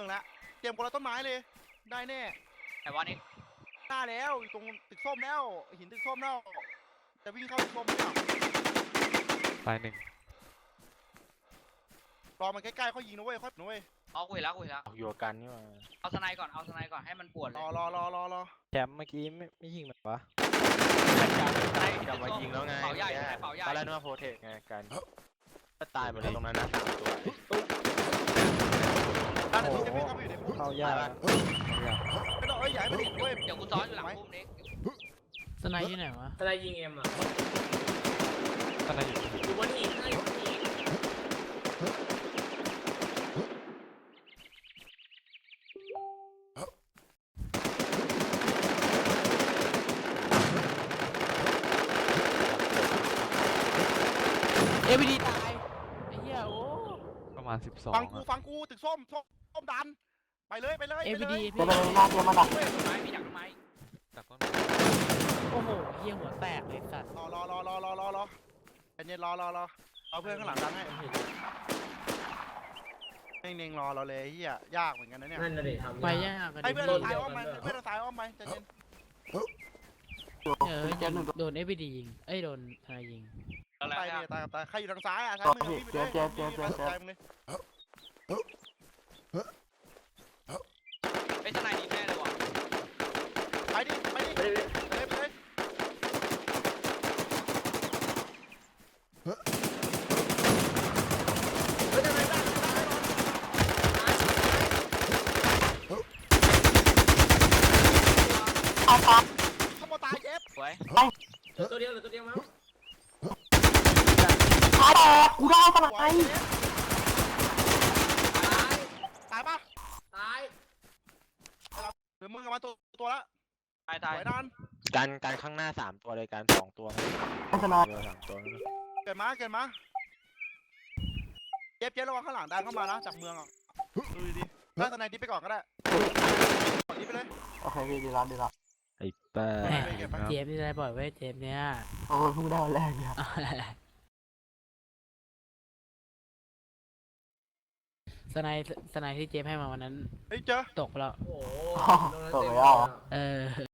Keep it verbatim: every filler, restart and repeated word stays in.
องแล้วเตรียมคนละต้นไม้เลยได้แน่แต่ว่านี่หน้าแล้วอยู่ตรงตึกส้มแล้วหินตึกส้มแล้วจะวิ่งเข้าตึกส้มไม่หรอตายหนึ่งรอมันใกล้ๆเขายิงนะเว้ยค่อยนะเว้ยเอาคุยแล้วคุยแล้วอยู่กันนี่มาเอาสไนก่อนเอาสไนก่อนให้มันปวดเลรยอรอรอรอรอแชมป์เมื่อกี้ไม่ไม่ยิงมันวะสไนกลับมายิงแล้วไงเป่าใหญ่เป่าใหญ่ตอนแรกนึกว่าโพเทคไงกันก็ตายหมดเลยตรงนั้นนะสามตัวด้านที่จะวิ่งเข้าไปอยู่ในพุ่มเข้ายากเข้ายากไม่ต้องเอ้ยใหญ่ไม่ถึงเว้ยเดี๋ยวกูซ้อนอยู่หลังพุ่มนี้สไนที่ไหนวะอะไรยิงเอ็มอ่ะตอนนั้นอยู่อยู่บนหินนะอยู่บนหินเอวีดีตายไอ้เหี้ยโอ้ประมาณสิบสองฟังกูฟังกูตึกส้มส้มส้มดันไปเลยไปเลยเอไปวีเลดียพี่ต้นไม้มีดักต้นไม้จากต้นโอ้โหเหี้ยหัวแตกเลยสัตว์รอรอรอรอรอรอรอใจเย็นรอรอรอเอาเพื่อนข้างหลังดันให้เน่งๆรอเราเลยเฮียยากเหมือนกันนะเนี่ยนั่นน่ะดิทำไปยากกันให้ดิเพื่อนเราตายอ้อมไปให้เพื่อนเราตายอ้อมไปใจเย็นเออยังโดนเอวีดียิงเอ้ยโดนทนายยิงอะไรตายนะเนี่ยตายกับตายใครอยู่ทางซ้ายอ่ะซ้ายมือพี่ไปเลยเจ็บเจ็บเจ็บเจ็บใจมึงเลยไอ้สไนดีแน่เลยว่ะไปดิไปดิไปเลยไปเลยไปเลยเฮ้ยทำไมได้ขโมยตายเจ็บสวยเหลือตัวเดียวเหลือตัวเดียวมั้งกูได้ขนาดไหนตายปะตายหรือมึงกับมาตัวตัวละตายสตายวยนานกันกันข้างหน้าสามตัวเลยกันสองตัวสามตัวเกิดมาเกิดมาเจ็บเจ็บระวังข้างหลังดันเข้ามานะจากเมืองอ่ะดูดีๆถ้าทนายดิไปก่อนก็ได้ก่อนดิไปเลยโอเคพี่ดีแล้วดีแล้วไอ้แป้แหมเจมส์นี่ได้บ่อยเว้ยเจมส์เนี่ยโอ้ยเพิ่งได้วันแรกเนี่ยสไนสไนที่เจมส์ให้มาวันนั้นเฮ้ยเจอตกไปแล้วโอ้โหตกไปแล้วเออ